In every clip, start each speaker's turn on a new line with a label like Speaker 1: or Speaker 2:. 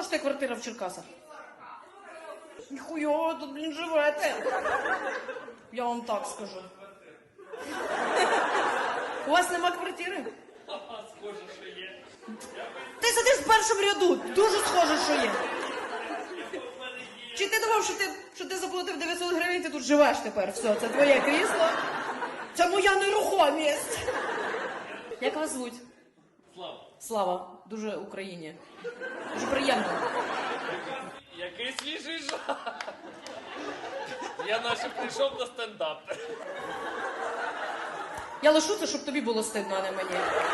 Speaker 1: коштує квартира в Черкасах? Ніхуя, тут, блін, живете. Я вам так скажу. У вас нема квартири?
Speaker 2: Схоже, що є.
Speaker 1: Ти сидиш в першому ряду, дуже схоже, що є. Чи ти думав, що ти заплатив 900 гривень, ти тут живеш тепер? Все, це твоє крісло. Це моя нерухомість. Як вас звуть?
Speaker 2: Слава.
Speaker 1: Слава. Дуже Україні. Дуже приємно.
Speaker 2: Який свіжий жах. Я наче прийшов на стендап.
Speaker 1: Я лишу це, щоб тобі було стидно, а не мені.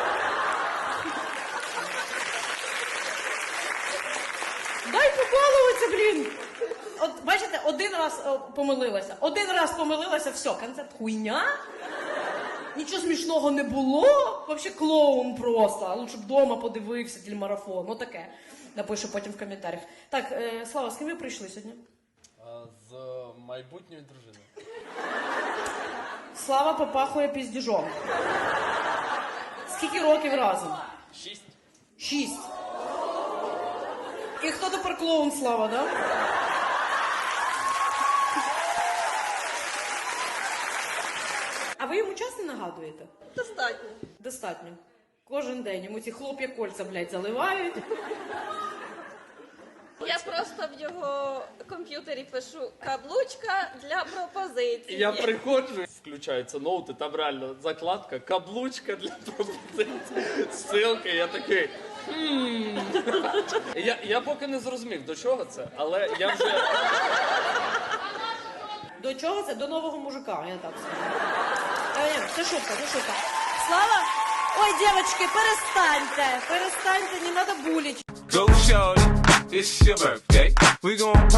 Speaker 1: Дай побалуватися, блін! От, бачите, один раз помилилася. Один раз помилилася, все, концерт хуйня. Нічого смішного не було. Вообще клоун просто. Лучше б вдома подивився телемарафон. Ну таке. Напишу потім в коментарях. Так, Слава, з ким ви прийшли сьогодні?
Speaker 2: З майбутньою дружиною.
Speaker 1: Слава попахує піздіжом. Скільки років разом?
Speaker 2: 6.
Speaker 1: 6. І хто тепер клоун, Слава, да? А ви йому часто нагадуєте?
Speaker 3: Достатньо.
Speaker 1: Достатньо. Кожен день йому ці хлоп'я кольця, блядь, заливають.
Speaker 3: Я просто в його комп'ютері пишу каблучка для пропозиції.
Speaker 2: Я приходжу, включаються ноути, там реально закладка, каблучка для пропозиції, ссылка, я такий... Я поки не зрозумів, до чого це, але я вже...
Speaker 1: До чого це? До нового мужика, я так скажу. Це шутка, це шутка. Слава? Ой, девочки, перестаньте, не надо булить.
Speaker 4: Go shorty, it's your birthday. We gon'